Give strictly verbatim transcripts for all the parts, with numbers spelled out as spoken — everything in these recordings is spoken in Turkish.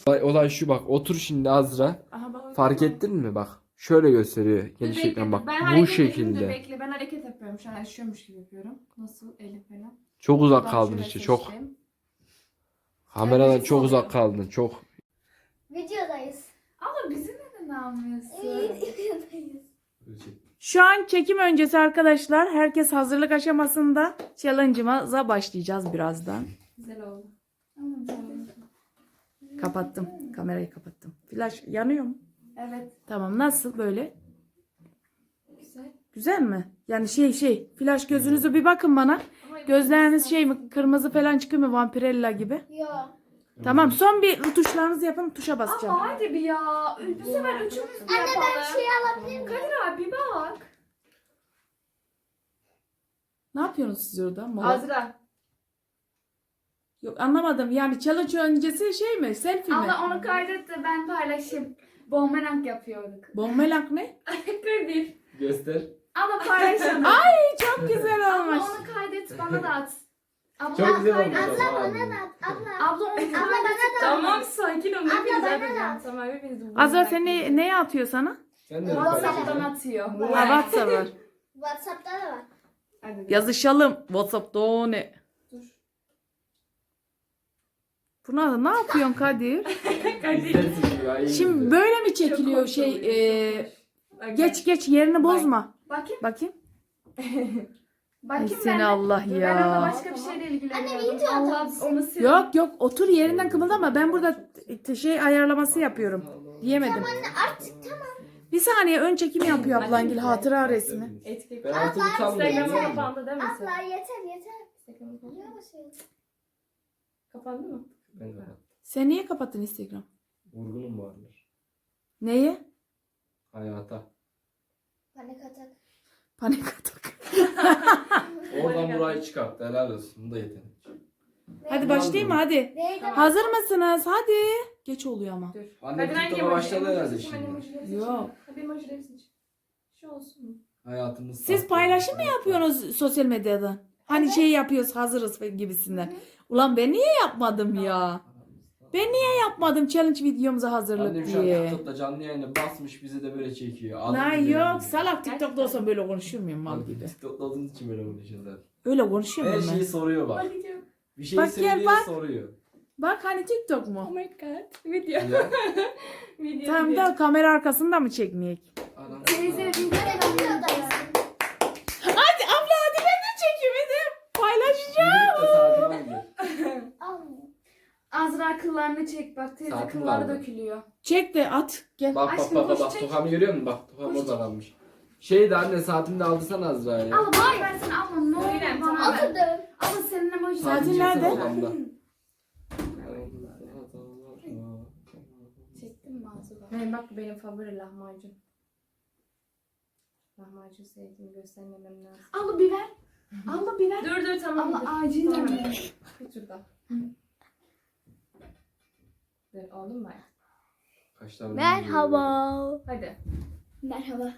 Olay, olay şu bak. Otur şimdi Azra. Aha bak. Fark ettin mi bak. Şöyle gösteriyor geniş Bekle, ekran bak. ben Bu hareket edeyim de şekilde. Bekle ben hareket yapıyorum. Şu an yaşıyormuş gibi yapıyorum. Nasıl elim falan. Çok uzak Ben kaldın şöyle işte çok. seçtim. Kameradan Evet, çok oluyor. uzak kaldın çok. Videodayız. Ama bizi neden almıyorsun? Videodayız. Şu an çekim öncesi arkadaşlar. Herkes hazırlık aşamasında. Challenge'ımıza başlayacağız birazdan. Güzel oldu. Kapattım. Kamerayı kapattım. Flash yanıyor mu? Evet. Tamam. Nasıl böyle? Güzel. Güzel mi? Yani şey şey. Flash gözünüzü bir bakın bana. Ama Gözleriniz şey mi? Kırmızı falan çıkıyor mu? Vampirella gibi. Yo. Tamam. Son bir tuşlarınızı yapın. Tuşa basacağım. Ama hadi bir ya. Bu sefer üçümüz de Anne yapalım. ben şey alabilir miyim? Kadir abi bak. Ne yapıyorsunuz siz orada? Mola? Azra. Yok anlamadım. Yani challenge öncesi şey mi? Selfie mi? Allah onu kaydet de ben paylaşayım. Bomberang yapıyorduk. Bombelank ne? Kadir. Göster. Ama paylaşalım. Ay çok güzel Abla olmuş. onu kaydet bana da at. Abla Çok güzel kaydet. olmuş. Abla bana da at. Abla. Abla onu kaydet. Abla bana da. Tamam sakin ol. Abla Hepiniz bana yapacağım. da. Tamam hepiniz. Azra sen ne, neye atıyor sana? Sen de mi WhatsApp'tan paylaşacaksın? atıyor. Ha WhatsApp var. WhatsApp'ta da var. Hadi. Yazışalım. WhatsApp'ta o ne? Dur. Buna da ne yapıyorsun Kadir? Kadir. İzlersin şimdi, ay, Şimdi izle. böyle mi Çok çekiliyor hoş şey? oluyor, e, çok hoş. geç geç yerini bozma. Bakayım. Bakayım. Bakayım Ay ben seni de. Allah Dur, Ben ya. ona başka bir şeyle ilgileniyorum. Anne, video Allah atarsın. onu sil. Yok yok otur yerinden kımıldama. Ben burada t- şey ayarlaması yapıyorum. Diyemedim. Artık tamam. Bir saniye ön çekim yapıyor ablangil hatıra resmi. Etiket. Ben artık Abla, utanmıyorum. Instagram'a yeter. kapandı değil mi sen? Abla yeter yeter. Instagram'a kapandı. Yavaş. Kapandı mı? Ben de bak. Sen niye kapattın Instagram? Vurgunum vardır. Neye? Hayata. Panik atak. Panik atak. Oradan burayı çıkarttı. Helal olsun. Bu da yetenek. Hadi başlayayım mı hadi. Neydi? Hazır mısınız? Hadi. Geç oluyor ama. Dur. Anne Hadi hangi TikTok'a emoji? başladı Emoji herhalde seçim, şimdi. emojileri seçim. Yok. Hadi emojileri seç. Şu olsun mu? Hayatımız Siz sahte. paylaşım mı yapıyorsunuz sosyal medyada? Hani şey yapıyoruz hazırız gibisinden. Ulan ben niye yapmadım ya? Ben niye yapmadım challenge videomuza hazırlık Annem şu an diye? TikTok'ta canlı yayını basmış bizi de böyle çekiyor. Adım Lan bile yok bilmiyor. salak TikTok'ta olsam böyle konuşuyor muyum mal gibi? TikTok'ta olduğunuz için böyle konuşuyoruz zaten. Öyle konuşuyor Her muyum ben? şeyi soruyor bak. Bakacağım. Bir şey Bak gel söylüyor bak. soruyor. Bak hani TikTok Oh mu? my god. Video. Ya. Video. Tamam video. da kamera arkasında mı çekmeyek? Adam. Teyze video. Videodayız. Hadi abla hadi ben de çekeyim hadi. Paylaşacağım. Yürüyüp de saatini alıyor. Almıyor. Azra kıllarını çek bak teyze Saatini kılları aldı. dökülüyor. Çek de at gel. Bak bak Aşkım, bak bak, koş bak çek. tokamı görüyor musun? Bak tokam Koş orada çek. kalmış. Şey de anne saatini de aldırsan Azra'ya. Al bak ben sana alma ne olur Öyle, bana tamam. ver. Oturdum. Ama senin emoji Saatin Saatini nerede? çeksene odamda. Çektin mi Azra? Benim bak benim favori lahmacun. Lahmacun sevdiğimi göstermemem lazım. Al biber. Al biber. Dur dur tamam. Ama dur. acil Tamam. mi? Tut şurada. Dur oldu mu? Kaşlarını Merhaba. Hadi. Merhaba.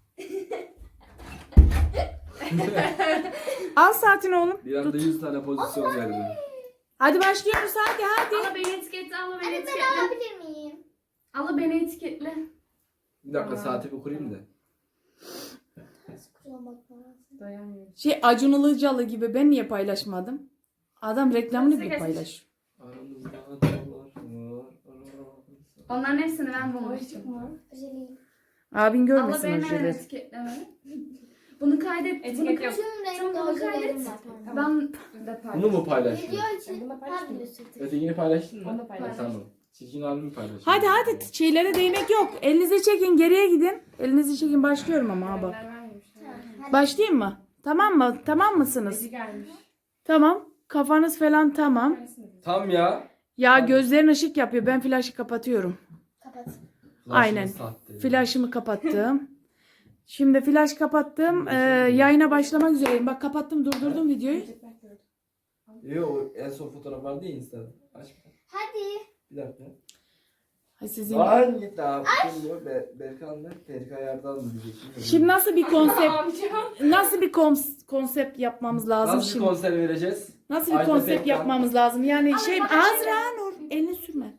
Al saatini oğlum. Bir anda yüz tane pozisyon verdim. Hadi başlıyoruz hadi hadi. Al beni etiketle, al beni Anne ben etiketle. alabilir miyim? Al beni etiketle. Bir dakika Tamam. saati bir kurayım da. Kurulamak lazım. Dayanmıyorum. Şey Acun Ilıcalı gibi ben niye paylaşmadım? Adam reklamını bile Geç, geç. paylaş. Aramızda dağlar var. Onların hepsini ben bulmuştum. Özeliyim. Abin Allah görmesin beni o hemen şeyleri. etiketleme. Bunu kaydet. Etiket bunu yok. Tüm renkli Tamam, bunu ojelerim kaydet. var. Tamam. Ben de Bunu mu paylaştın? Video için Bunu paylaştım. her video sürdük. Ötekini paylaştın mı? Onu da paylaştım. Tamam. Çirkin halimi paylaştın. Hadi hadi şeylere değmek yok. Elinizi çekin geriye gidin. Elinizi çekin başlıyorum ama ha bak. Tamam. Başlayayım mı? Tamam mı? Tamam mısınız? Eci gelmiş. Tamam. Kafanız falan tamam. Tam ya. Ya gözlerin ışık yapıyor. Ben flaşı kapatıyorum. Kapat. Aynen. Sahte. Flaşımı kapattım. Şimdi flaş kapattım. Ee, yayına başlamak üzereyim. Bak kapattım durdurdum videoyu. Yo en son fotoğraf vardı ya Insta'da. Aç. Hadi. Bir dakika. Ay sizin. Lan git abi. Şimdi Be Berkan da Terika Yardan mı diyeceksin? Şimdi nasıl bir konsept Amcam. nasıl bir kons- konsept yapmamız lazım Nasıl bir şimdi? konser vereceğiz? Nasıl bir Ajda konsept Pekkan. yapmamız lazım? Yani Abi şey bana şey Azra Nur elini sürme.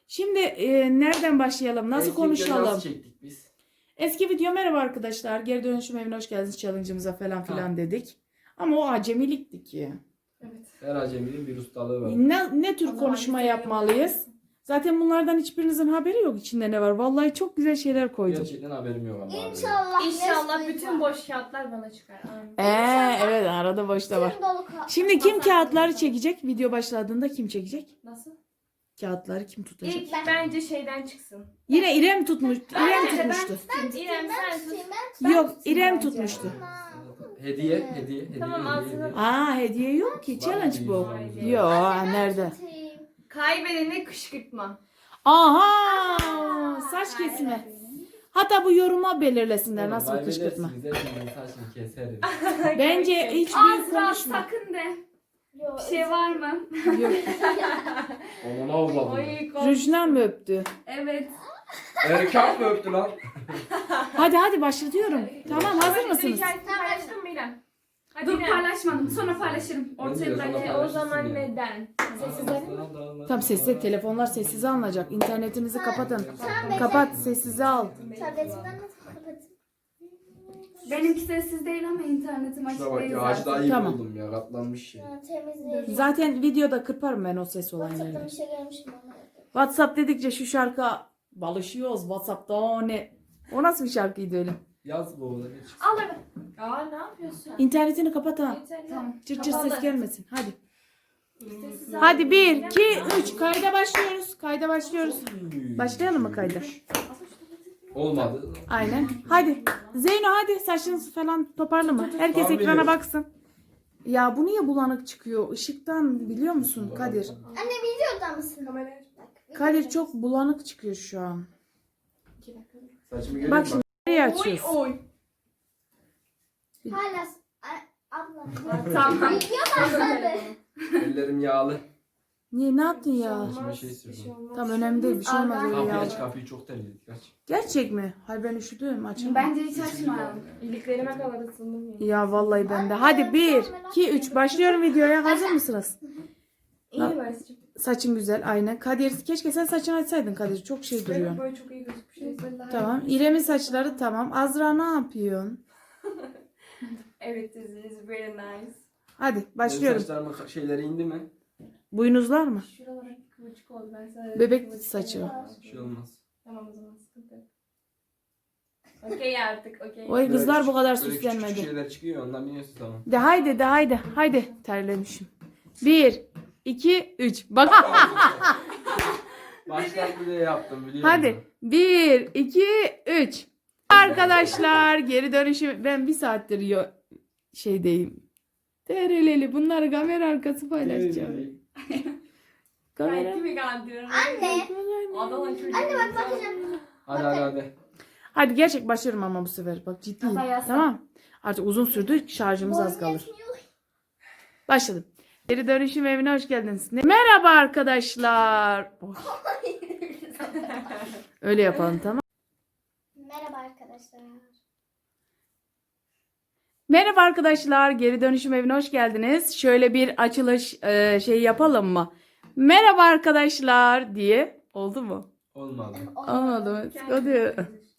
Şimdi e, nereden başlayalım? Nasıl Eski videoyu konuşalım? Nasıl çektik biz? Eski video merhaba arkadaşlar. Geri dönüşüm evine hoş geldiniz challenge'ımıza falan filan Ha. dedik. Ama o acemilikti ki. Evet. Her aceminin bir ustalığı var. Ne, ne tür O zaman konuşma biz de yapmalıyız? Zaten bunlardan hiçbirinizin haberi yok içinde ne var. Vallahi çok güzel şeyler koydum. Gerçekten haberim yok ama. İnşallah. İnşallah Nesli bütün var. boş kağıtlar bana çıkar. Amin. Ee, evet arada boşta var. Tüm dolu ka- Şimdi kim kafa- kağıtları çekecek? Video başladığında kim çekecek? Nasıl? Kağıtları kim tutacak? İlk bence şeyden çıksın. Yine İrem tutmuş. İrem Bence ben tutmuştu. tutayım. İrem Ben sen tutayım, tut. ben Yok tutayım İrem bence. tutmuştu. Hediye, hediye, hediye. Tamam, hediye, ağzına- hediye. Aa hediye yok ki. Challenge bu. Hediye. Yo Ben nerede? tutayım. Kaybedeni kışkırtma. Aha saç kesme. Hatta bu yoruma belirlesinler Oğlum, nasıl bir kışkırtma. kaybedersiniz, hepinizin saçını keserim. Bence hiç büyük Azra konuşma. sakın de. Yok, Bir şey var mı? Yok. Onu avladım. Oy, kork- Rujna mı öptü? Evet. Erkan mı öptü lan? Hadi hadi başlatıyorum. Tamam hazır Dur, mısınız? hikayesini paylaştın mı İrem? Hadi Dur İrem. paylaşmadım. Sonra paylaşırım. Ben de Ortaya sonra bırak. E, o paylaşırsın zaman ya. neden? Tam sessiz telefonlar sessize alınacak. İnternetinizi kapatın. Sen Kapat sessize al. Tabletimden nasıl kapatayım? Benimki sessiz değil ama internetim açık Şuna bak değil ya ağacı zaten. daha iyi Tamam. buldum ya katlanmış şey. Ha, temizleyelim. Zaten videoda kırparım ben o ses olan WhatsApp'tan yerleri. bir şey görmüşüm ama. WhatsApp dedikçe şu şarkı balışıyoruz WhatsApp'ta o ne? O nasıl bir şarkıydı öyle? Yaz bu oğlum. hiç. Al evet. Aa ne yapıyorsun? İnternetini kapat ha. Tamam. Cırt cırt ses Kapalı. gelmesin. Hadi. Sessiz Hadi bir, al. iki, üç. Kayda başlıyoruz. Kayda başlıyoruz. Başlayalım mı kayda? Olmadı. Aynen. Hadi. Zeyno hadi saçınızı falan toparlama. Herkes Tamam, ekrana biliyorum. baksın. Ya bu niye bulanık çıkıyor? Işıktan biliyor musun Kadir? Anne videoda mısın? Kamerayı Bak, Kadir videoda. çok bulanık çıkıyor şu an. iki dakika. Saçımı görüyor Bak musun? şimdi nereye Oy açıyoruz? oy. Hala s- a- abla. Tamam. Video başladı. Ellerim yağlı. Niye ne yaptın ya? İçime şey sürdüm. Bir şey olmaz. Tam önemli değil bir şey olmaz öyle Kapıyı ya. aç kapıyı çok terledik aç. Gerçek mi? Hayır ben üşüdüm açamam. Bence hiç açmayalım. İliklerime kadar ısındım ya. Ya vallahi ben de. Hadi bir, iki, üç. Başlıyorum videoya. Hazır mısınız? İyi Barış'cığım. Saçın güzel aynen. Kadir keşke sen saçını açsaydın Kadir. Çok şey Benim duruyor. böyle çok iyi gözükmüş. Tamam. İrem'in saçları tamam. Azra ne yapıyorsun? Evet this is very nice. Hadi Benim başlıyorum. saçlarımın şeyleri indi mi? Boynuzlar mı? Şuralara kıvırcık oldu. Ben sana Bebek kıvırcık saçı. yapayım. Bir şey olmaz. Tamam o zaman sıkıntı yok. Okey artık okey. Oy Böyle kızlar bu küçük- kadar böyle küçük küçük süslenmedi. şeyler çıkıyor ondan biliyorsun tamam. De haydi de haydi. Haydi. Terlemişim. Bir, iki, üç. Bak. Başlar bile yaptım biliyor musun? Hadi. Bir, iki, üç. Arkadaşlar geri dönüşüm. Ben bir saattir yo şeydeyim. Tereleli. Bunları kamera arkası paylaşacağım. Kamera. Belki mi kandırıyorum? Anne. Adamın çocuğu. Anne bak bakacağım. Hadi hadi hadi. Hadi gerçek başlıyorum ama bu sefer. Bak ciddiyim. Kafa yasla. Tamam. Artık uzun sürdü. Şarjımız az Boyun kalır. yetmiyor. Başladım. Geri dönüşüm evine hoş geldiniz. Ne- Merhaba arkadaşlar. Oh, öyle yapalım tamam. Merhaba arkadaşlar. Merhaba arkadaşlar. Geri dönüşüm evine hoş geldiniz. Şöyle bir açılış e, şey yapalım mı? Merhaba arkadaşlar diye. Oldu mu? Olmadı. Olmadı mı? Hadi.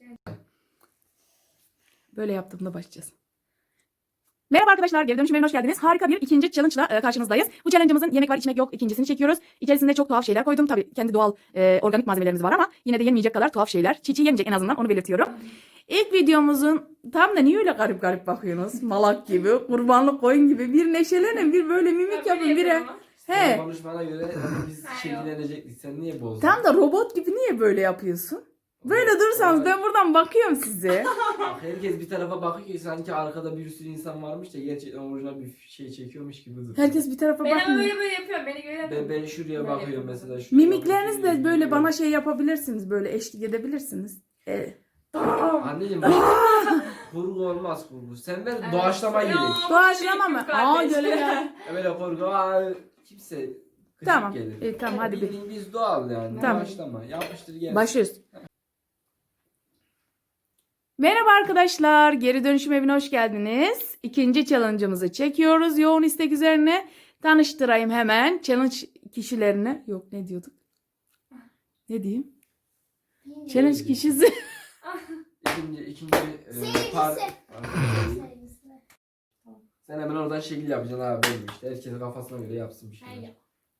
Böyle yaptığımda başlayacağız. Merhaba arkadaşlar, geri dönüşüm evine hoş geldiniz. Harika bir ikinci challenge ile karşınızdayız. Bu challenge'ımızın yemek var, içmek yok ikincisini çekiyoruz. İçerisinde çok tuhaf şeyler koydum. Tabii kendi doğal e, organik malzemelerimiz var ama yine de yenmeyecek kadar tuhaf şeyler. Çiğ çiğ yenmeyecek en azından onu belirtiyorum. İlk videomuzun tam da niye öyle garip garip bakıyorsunuz? Malak gibi, kurbanlık koyun gibi. Bir neşelenin, bir böyle mimik yapın, bire. Sen He. konuşmana göre biz şekillenecektik. Sen niye bozdun? Tam da robot gibi niye böyle yapıyorsun? Böyle dursanız ben buradan bakıyorum size. Bak, herkes bir tarafa bakıyor ki sanki arkada bir sürü insan varmış da gerçekten orijinal bir şey çekiyormuş gibi duruyor. Herkes bir tarafa Ben ama bakmıyor. böyle böyle yapıyorum. Beni göre Ben, ben şuraya Böyle bakıyorum yapıyorum. mesela. Şuraya Mimikleriniz de bakıyorum. böyle bana şey yapabilirsiniz. Böyle eşlik edebilirsiniz. Evet. Anneciğim bak. Kurgu olmaz kurgu. Sen ver doğaçlama Ya. gerek. Doğaçlama mı? Aa Kardeş. göre ya. Böyle kurgu aa, kimse gıcık Tamam. gelir. İyi, tamam hadi bir. Bildiğin biz doğal yani. Tamam. Doğaçlama. Yapıştır gel. Başlıyoruz. Merhaba arkadaşlar. Geri dönüşüm evine hoş geldiniz. İkinci challenge'ımızı çekiyoruz. Yoğun istek üzerine tanıştırayım hemen. Challenge kişilerini. Yok ne diyorduk? Ne diyeyim? Bilmiyorum. Challenge kişisi. İkinci, ikinci e, Sevgilisi. par... Sevgilisi. Sen hemen oradan şekil yapacaksın abi benim işte. Herkes kafasına göre yapsın bir şey. Hayır.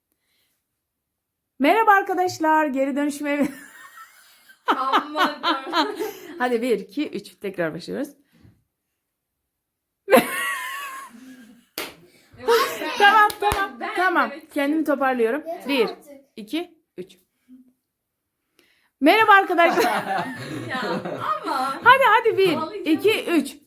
Merhaba arkadaşlar. Geri dönüşüm evi. Aman. Hadi bir, iki, üç. Tekrar başlıyoruz. Tamam tamam. Ben Tamam. demek Kendimi toparlıyorum. Yeter Bir, artık. iki, üç. Merhaba arkadaşlar. Ya ama. Hadi hadi bir, Ağlayacağım. iki, üç.